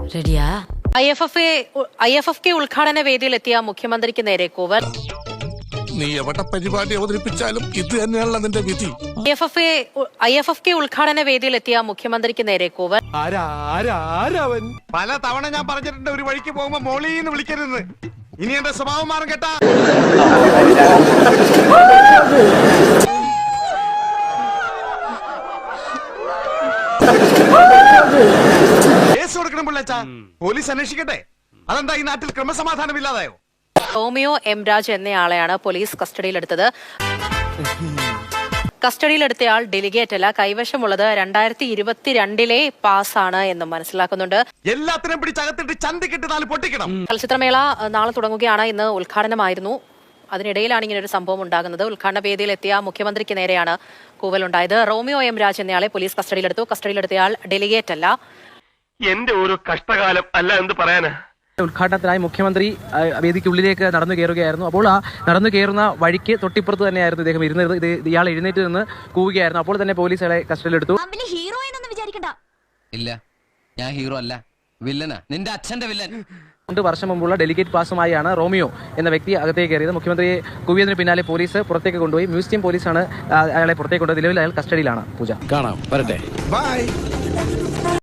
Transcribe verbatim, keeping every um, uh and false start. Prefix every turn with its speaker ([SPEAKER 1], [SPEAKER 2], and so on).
[SPEAKER 1] റെഡിയാ?
[SPEAKER 2] I F F I F F K ഉദ്ഘാടന വേദിയിലെത്തിയ മുഖ്യമന്ത്രിക്ക് നേരെ കൂവൽ.
[SPEAKER 3] നീ എവിടെ പരിപാടി അവതരിപ്പിച്ചാലും ഇത് തന്നെയാണല്ലോ നിന്റെ വിധി.
[SPEAKER 2] I F F I F F K ഉദ്ഘാടന വേദിയിലെത്തിയ മുഖ്യമന്ത്രിക്ക് നേരെ കൂവൽ.
[SPEAKER 4] പല തവണ ഞാൻ പറഞ്ഞിട്ടുണ്ട് ഒരു വഴിക്ക് പോകുമ്പോ മോളീന്ന് വിളിക്കരുത്. ഇനി എന്റെ സ്വഭാവം മാറും കേട്ടാ. കേസ് കൊടുക്കണം പിള്ളേച്ചാ, പോലീസ് അന്വേഷിക്കട്ടെ. അതെന്താ ഈ നാട്ടിൽ ക്രമസമാധാനം ഇല്ലാതായോ?
[SPEAKER 2] റോമിയോ എം രാജ് എന്നയാളെയാണ് പോലീസ് കസ്റ്റഡിയിലെടുത്തത്. കസ്റ്റഡിയിലെടുത്തയാൾ ഡെലിഗേറ്റ് അല്ല, കൈവശമുള്ളത് രണ്ടായിരത്തി ഇരുപത്തിരണ്ടിലെ പാസ്സാണ് എന്നും മനസ്സിലാക്കുന്നുണ്ട്.
[SPEAKER 4] എല്ലാത്തിനും പിടിച്ചകത്തിട്ട് ചന്തിക്കിട്ട് നാല് പൊട്ടിക്കണം.
[SPEAKER 2] ചലച്ചിത്രമേള നാളെ തുടങ്ങുകയാണ്. ഇന്ന് ഉദ്ഘാടനമായിരുന്നു. അതിനിടയിലാണ് ഇങ്ങനെ ഒരു സംഭവം ഉണ്ടാകുന്നത്. ഉദ്ഘാടന വേദിയിലെത്തിയ മുഖ്യമന്ത്രിക്ക് നേരെയാണ് കൂവലുണ്ടായത്. റോമിയോ എം രാജ് എന്നയാളെ പോലീസ് കസ്റ്റഡിയിലെടുത്തു. കസ്റ്റഡിയിലെടുത്തയാൾ ഡെലിഗേറ്റ് അല്ല.
[SPEAKER 5] എന്റെ ഒരു കഷ്ടകാലം അല്ല എന്ത് പറയാനാ.
[SPEAKER 6] ഉദ്ഘാടനത്തിനായി മുഖ്യമന്ത്രി വേദിക്കുള്ളിലേക്ക് നടന്നു കയറുകയായിരുന്നു. അപ്പോൾ ആ നടന്നു കയറുന്ന വഴിക്ക് തൊട്ടിപ്പുറത്ത് തന്നെയായിരുന്നു ഇദ്ദേഹം ഇരുന്നത്. ഇത് ഇയാൾ എഴുന്നേറ്റ് നിന്ന് കൂവുകയായിരുന്നു. അപ്പോൾ തന്നെ പോലീസ് അയാളെ കസ്റ്റഡിയിലെടുത്തു.
[SPEAKER 1] ഹീറോ എന്നൊന്നും വിചാരിക്കണ്ട.
[SPEAKER 7] ഇല്ല, ഞാൻ ഹീറോ അല്ല, വില്ലനാ, നിന്റെ അച്ഛന്റെ വില്ലൻ.
[SPEAKER 6] രണ്ട് വർഷം മുമ്പുള്ള ഡെലിഗേറ്റ് പാസുമായാണ് റോമിയോ എന്ന വ്യക്തി അകത്തേക്ക് കയറിയത്. മുഖ്യമന്ത്രിയെ കൂവിയതിന് പിന്നാലെ പോലീസ് പുറത്തേക്ക് കൊണ്ടുപോയി. മ്യൂസിയം പോലീസാണ് അയാളെ പുറത്തേക്ക് കൊണ്ടുപോയി. നിലവിൽ അയാൾ കസ്റ്റഡിയിലാണ്. പൂജ
[SPEAKER 3] കാണാം, വരട്ടെ, ബൈ.